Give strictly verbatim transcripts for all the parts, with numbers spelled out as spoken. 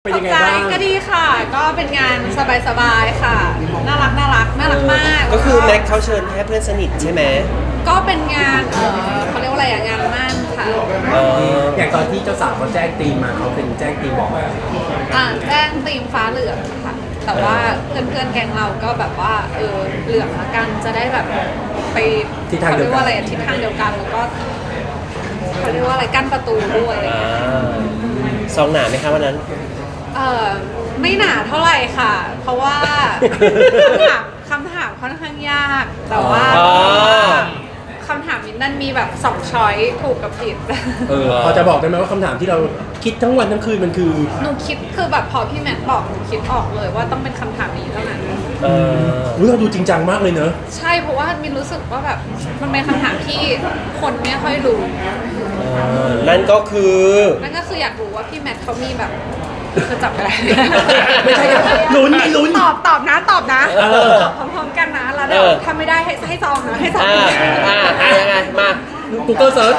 เป็นยังไงใจบ้างก็ดีค่ะ ก็เป็นงานสบายๆค่ะ น่ารักน่ารักน่ารักมากก็คือแม็กเขาเชิญแค่เพื่อนสนิทใช่ไหมก็เป็นงานเออเขาเรียกว่าอะไรอะงานมั่นค่ะเอออย่างตอนที่เจ้าสาวเขาแจ้งตีมมาเขาเป็นแจ้งตีมบอกว่าอ่าแจ้งธีมฟ้าเหลืองค่ะ แต่ว่าเพื่อนๆแกงเราก็แบบว่าเออเหลืองละกันจะได้แบบไปทิศทางเดียวกันขรีกว่าอะไรอะทิศทางเดียวกันแล้วก็เขาเรียกว่าอะไรกั้นประตูด้วยอะไรอย่างอ่าเงี้ยซองหนาไหมคะวันนั้นเออไม่หนาเท่าไหร่ค่ะ เพราะว่า คำถามคำถามค่อนข้างยาก แต่ว่าอ๋อคำถามมินนั่นมีแบบสองช้อยถูกกับผิดเออพอจะบอกได้ไหมว่าคำถามที่เราคิดทั้งวันทั้งคืนมันคือหนูคิดคือแบบพอพี่แมทบอกหนูคิดออกเลยว่าต้องเป็นคำถามนี้เท่านั้นเอออุ๊ยเราดูจริงจังมากเลยเนอะใช่เพราะว่ามินรู้สึกว่าแบบมันเป็นคำถามที่คนไม่ค่อยรู้เออนั่นก็คือนั่นก็คืออยากรู้ว่าพี่แมทเขามีแบบจะจับอะไรไม่ใช่ครับลุ้นไม่ลุ้นตอบตอบนะตอบนะเออตอบพร้อมๆกันนะแล้วเดี๋ยวเออถ้าไม่ได้ให้ให้ซองนะให้ซองอ่าอ่าอ่ายังไง มา Google Search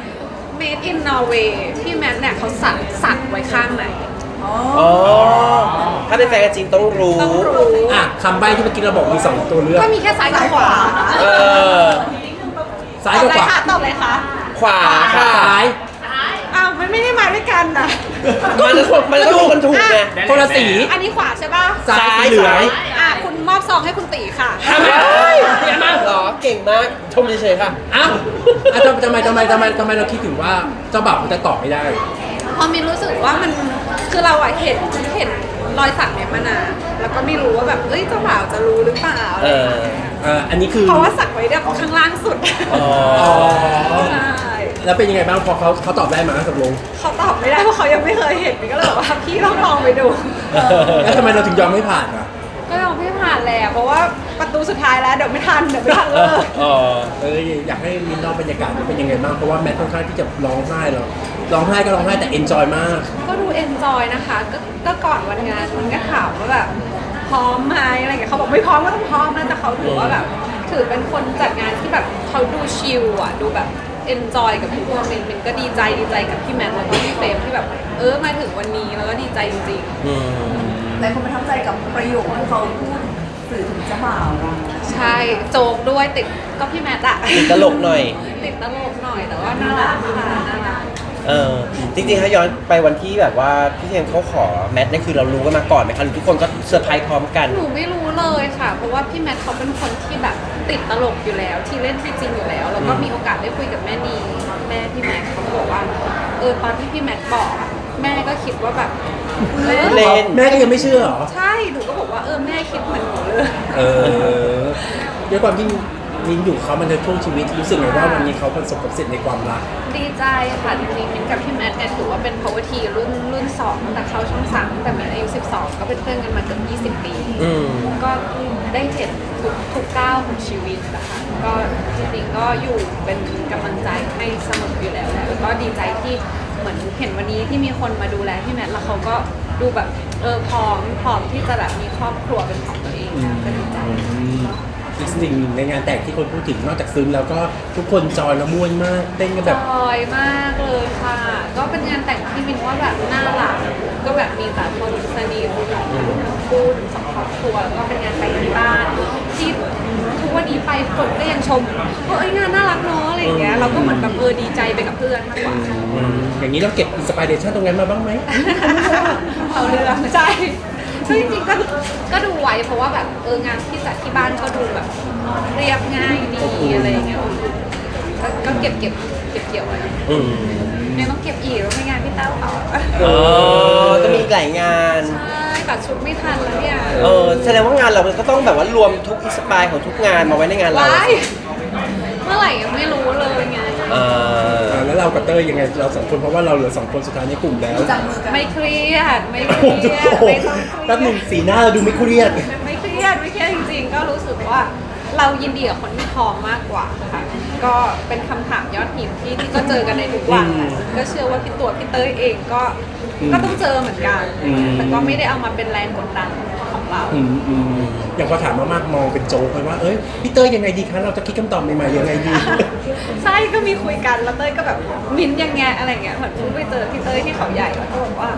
Made in Norway พี่แมทเนี่ยเขาสักสักไว้ข้างไหนอ๋อ ถ้าเป็นแฟนกันจริงต้องรู้ต้องรู้อ่ะคำใบ้ที่เมื่อกี้เราบอกมีสองตัวเลือกก็มีแค่ซ้ายกับขวาเออซ้ายกับขวาตอบเลยค่ะขวาค่ะซ้ายอ้าวมันไม่ได้มาด้วยกันนะมันมันก็ดูกันถูกไงคนละสีอันนี้ขวาใช่ป่ะซ้ายสีเหลืองอ่ะคุณมอบซองให้คุณตีค่ะทำไมเก่งมากเหรอ เก่งมาก ชมเฉยๆค่ะอ้าวอ่ะทำทำไมทำไมทำไมทำไมเราคิดถึงว่าเจ้าบ่าวเขาจะตอบไม่ได้พอมินรู้สึกว่ามันคือเราอะเห็นเห็นรอยสักเนี่ยมานานแล้วก็ไม่รู้ว่าแบบเอ้ยเจ้าบ่าวจะรู้หรือเปล่าเออเอ่ออันนี้คือเพราะว่าสักไว้แบบข้างล่างสุดอ๋ออ๋อใช่แล้วเป็นยังไงบ้างพอเขาเขาตอบได้มาตกลงเขาตอบไม่ได้เพราะเขายังไม่เคยเห็นมินก็เลยบอกว่าพี่ต้องลองไปดูแล้วทำไมเราถึงยอมให้ผ่านอ่ะก็ลองไม่ผ่านแล้วเพราะว่าประตูสุดท้ายแล้วเดี๋ยวไม่ทันเดี๋ยวไม่ทันเลยอ๋อเอออยากให้มินเล่าบรรยากาศมันเป็นยังไงบ้างเพราะว่าแมทค่อนข้างที่จะร้องไห้เราร้องไห้ก็ร้องไห้แต่เอนจอยมากก็ดูเอนจอยนะคะก็ก็ก่อนวันงานมันก็ถามว่าแบบพร้อมไหมอะไรอย่างเงี้ยเขาบอกไม่พร้อมก็ต้องพร้อมนะแต่เขาถือว่าแบบถือเป็นคนจัดงานที่แบบเขาดูชิลอ่ะดูแบบเอนจอยกับทุกคนมินมินก็ดีใจดีใจกับพี่แมทแล้วก็พี่เฟรมที่แบบเออมาถึงวันนี้แล้วก็ดีใจจริงอืมหลายคนประทับใจกับประโยคที่เขาพูดสื่อถึงเจ้าบ่าวอะๆ ใช่โจกด้วยติดก็พี่แมทอะติดตลกหน่อยติดตลกหน่อยแต่ว่าน่ารักค่ะน่ารักเออ จริงๆ ถ้าย้อนไปวันที่แบบว่าพี่เทมเขาขอแมทนี่คือเรารู้กันมาก่อนไหมคะหรือทุกคนก็เซอร์ไพรส์พร้อมกันหนูไม่รู้เลยค่ะ เพราะว่าพี่แมทเขาเป็นคนที่แบบติดตลกอยู่แล้ว ที่เล่นที่จริงอยู่แล้ว แล้วก็มีโอกาสได้คุยกับแม่นีแม่พี่แมทเขาก็บอกว่าเออตอนที่พี่แมทบอกอะแม่ก็คิดว่าแบบเออเล่นแม่ก็ยังไม่เชื่อเหรอใช่หนูก็บอกว่าเออแม่คิดเหมือนหนูเลยเออด้วยความที่มินอยู่เขามันในช่วงชีวิตรู้สึกไงว่าวันนี้เขาประสบความสำเร็จในความรักดีใจค่ะจริงๆมินกับพี่แมทเนี่ยถือว่าเป็น power team รุ่นรุ่นสองตั้งแต่เข้าช่องสามตั้งแต่มินอายุสิบสองก็เป็นเพื่อนกันมาเกือบยี่สิบปีอืมก็ได้เห็นทุกทุกก้าวของชีวิตนะคะก็จริงๆก็อยู่เป็นกำลังใจให้เสมออยู่แล้วแหละแล้วก็ดีใจที่เหมือนเห็นวันนี้ที่มีคนมาดูแลพี่แมทแล้วเขาก็ดูแบบเออพร้อมพร้อมที่จะแบบมีครอบครัวเป็นของตัวเองนะก็ดีใจอีกสิ่งหนึ่งในงานแต่งที่คนพูดถึงนอกจากซึ้งแล้วก็ทุกคนจอยและม่วนมากเต้นกันแบบจอยมากเลยค่ะ ก็เป็นงานแต่งที่มินว่าแบบน่ารักก็แบบมีแต่คนสนิทคู่สองครอบครัวแล้วก็เป็นงานแต่งที่บ้านที่ทุกวันนี้ไปคนก็ยังชมว่าเอ้ยงานน่ารักเนาะอะไรอย่างเงี้ยเราก็เหมือนแบบเออดีใจไปกับเพื่อนมากกว่าอืมอย่างนี้เราเก็บอินสปิเรชันตรงนั้นมาบ้างไหมเอาเรื่องใช่ซึ่งจริงๆก็ก็ดูไว้เพราะว่าแบบเอองานที่จัดที่บ้านก็ดูแบบเรียบง่ายดีอะไรอย่างเงี้ยก็ก็เก็บเก็บเก็บเกี่ยวไว้อืมยังต้องเก็บอีกแล้วไม่งานพี่เต้าต่ออ๋อก็มีอีกหลายงานใช่ตัดชุดไม่ทันแล้วเนี่ยเออ แสดงว่างานเราก็ต้องแบบว่ารวมทุกอินสปายของทุกงานมาไว้ในงานเราว้ายเมื่อไหร่ยังไม่รู้เลยไงเอออ่าแล้วเรากับเต้ยยังไงเราสองคนเพราะว่าเราเหลือสองคนสุดท้ายในกลุ่มแล้วจับมือกันไม่เครียดไม่เคโอ้รียดโหไม่ต้องเครียดแป๊บหนึงสีหน้าเราดูไม่เครียดไม่เครียดไม่เครียดจริงๆ ก็รู้สึกว่าเรายินดีกับคนที่พร้อมมากกว่าค่ะ ก็เป็นคำถามยอดฮิตที่ที่ก็เจอกันในทุกวันแหละก็เชื่อว่าพี่ตัวพี่เต้ยเองก็อืมก็ต้องเจอเหมือนกันอืมแต่ก็ไม่ได้เอามาเป็นแรงกดดันของเราอืมอืมอย่างพอถามมากๆมองเป็นโจ๊กไปว่า เอ้ยพี่เต้ยยังไงดีคะเราจะคิดคำตอบใหม่ๆยังไงดีใช่ก็มีคุยกันแล้วเต้ยก็แบบมิ้นท์ยังไงอะไรเงี้ยเหมือนเพิ่งไปเจอพี่เต้ยที่เขาใหญ่แล้วก็บอกว่าเอ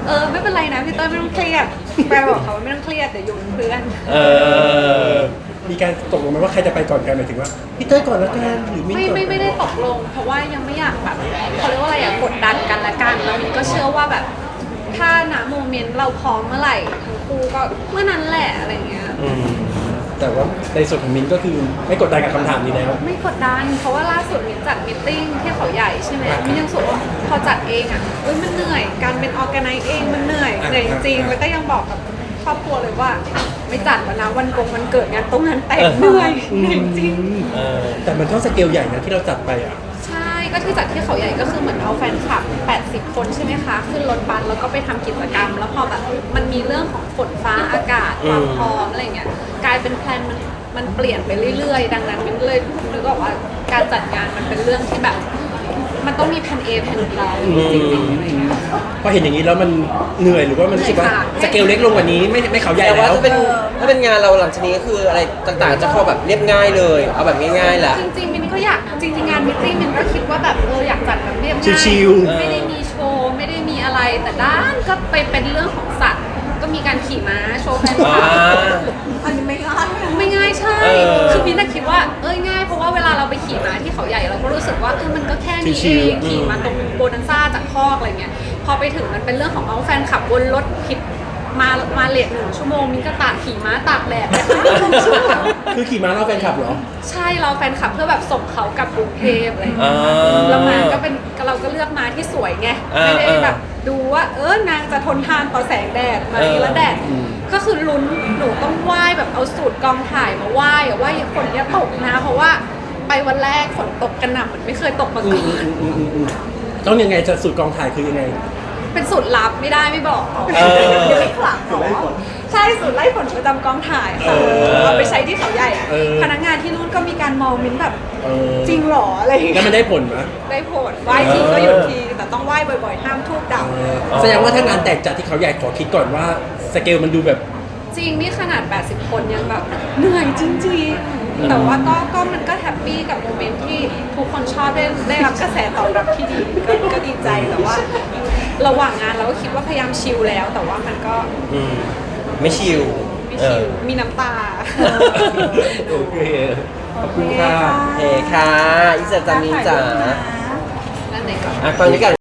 เออไม่เป็นไรนะพี่เต้ยไม่ต้องเครียดแปลบอกเขาว่าไม่ต้องเครียดเดี๋ยวอยู่เป็นเพื่อนเออมีการตกลงไหมว่าใครจะไปก่อนกันหมายถึงว่าพี่เต้ยก่อนแล้วกันหรือมิ้นไม่ก่อนไม่ไม่ได้ตกลง เพราะว่ายังไม่อยากแบบเขาเรียกว่าอะไรอะกดดันกันละกันแล้วมินก็เชื่อว่าแบบถ้าณโมเมนต์เราพร้อมเมื่อไหร่ทั้งคู่ก็เมื่อนั้นแหละอะไรเงี้ยอืมแต่ว่าในส่วนของมิ้นก็คือไม่กดดันกับคำถามนี้แล้วไม่กดดันเพราะว่าล่าสุดมินจัดมิทติ้งที่เขาใหญ่ใช่ไหมมินยังรู้สึกว่าพอจัดเองอะเอ้ยมันเหนื่อยการเป็นออแกไนซ์เองมันเหนื่อยเหนื่อยจริงๆแล้วก็ยังบอกกับครอบครัวเลยว่าไม่จัดแล้วนะวันกงวันเกิดงานตรงนั้นแต่งเหนื่อยเหนื่อยจริงเออแต่มันก็สเกลใหญ่นะที่เราจัดไปอ่ะใช่ ก็ที่จัดที่เขาใหญ่ก็คือเหมือนเอาแฟนคลับ แปดสิบ คนใช่ไหมคะ ขึ้นรถบัสแล้วก็ไปทำกิจกรรม แล้วพอแบบมันมีเรื่องของฝนฟ้าอากาศความพร้อมอะไรเงี้ย กลายเป็นแพลนมันมันเปลี่ยนไปเรื่อยๆ ดังนั้นมันเลยนึกออกว่าการจัดงานมันเป็นเรื่องที่แบบ มันต้องมีแผน A แผน B จริงๆอะไรเงี้ยพอเห็นอย่างนี้แล้วมันเหนื่อยหรือว่ามันรู้สึกว่าเหนื่อยค่ะสเกลเล็กลงกว่านี้ไม่ไม่เขาใหญ่แต่ว่าแล้วถ้าเป็นถ้าเป็นงานเราหลังจากนี้ก็คืออะไรต่างๆ จะเข้าแบบเรียบง่ายเลย เอาแบบง่ายๆแหละจริงๆมินก็อยากจริงๆงานมิทติ้งมินก็คิดว่าแบบเอออยากจัดแบบเรียบง่ายชิลๆไม่ได้มีโชว์ไม่ได้มีอะไรแต่ด้านก็ไปเป็นเรื่องของสัตว์ ก็มีการขี่ม้าโชว์แฟนคลับอ่าอันนี้ไม่ง่ายนะไม่ง่ายใช่เออคือมินน่ะคิดว่าเอ้ยง่ายเพราะว่าเวลาเราไปขี่ม้าที่เขาใหญ่เราก็รู้สึกว่าเออมันก็แค่นี้ชิเอวงๆขี่มาตรงโบนันซ่าจากคอกอะไรเงี้ยพอไปถึงมันเป็นเรื่องของเอาแฟนขับบนรถผิดมามาเลทหนึ่งชั่วโมงมินก็ตากขี่ม้าตากแดดไปครึ่งชั่วโมงคือขี่ม้าเล่าแฟนคลับเหรอใช่เราแฟนคลับเพื่อแบบส่งเขากลับกรุงเทพอะไรอย่างอ่เงี้ยาแล้วมาก็เป็นเราก็เลือกมาที่สวยไงอ่าไม่ได้อ่าแบบดูว่าเออนางจะทนทานต่อแสงแดดไหมเออแล้วแดดก็คือลุ้นหนูต้องไหว้แบบเอาสูตรกองถ่ายมาไหว้อะว่าอย่าฝนอย่าตกนะ เพราะว่าไปวันแรกฝนตกกระหน่ำเหมือนไม่เคยตกมาก่อนต้องยังไงจะสูตรกองถ่ายคือยังไงเป็นสูตรลับไม่ได้ไม่บอกเออเดี๋ยวไม่ขลังเหรอใช่สูตรไล่ฝนประจำกองถ่ายค่ะเออเอาไปใช้ที่เขาใหญ่อะเออพนักงานที่นู่นก็มีการมองมิ้นแบบเออจริงเหรออะไรอย่างแล้วเงี้ยมันได้ผลไหมได้ผลไหว้ทีก็หยุดทีแต่ต้องไหว้บ่อยๆ ห้ามทูบดับเออแสดงว่าถ้างานแตกจัดที่เขาใหญ่ขอคิดก่อนว่าสเกลมันดูแบบจริงนี่ขนาด แปดสิบ คนยังแบบเหนื่อยจริงๆ แต่ว่าก็ก็มันก็แฮปปี้กับโมเมนต์ที่ทุกคนชอบได้ได้รับกระแสตอบรับที่ดีก็ก็ดีใจแต่ว่า ระหว่างงานเราก็คิดว่าพยายามชิลแล้ว แต่ว่ามันก็อืมไม่ชิลไม่เอชิอลมีน้ำตาโอเค ขอบคุณค่ะโอเคค่ะอิสระจามินจ๋านั่นไหนก่อนอ่ะฟังนี้กัน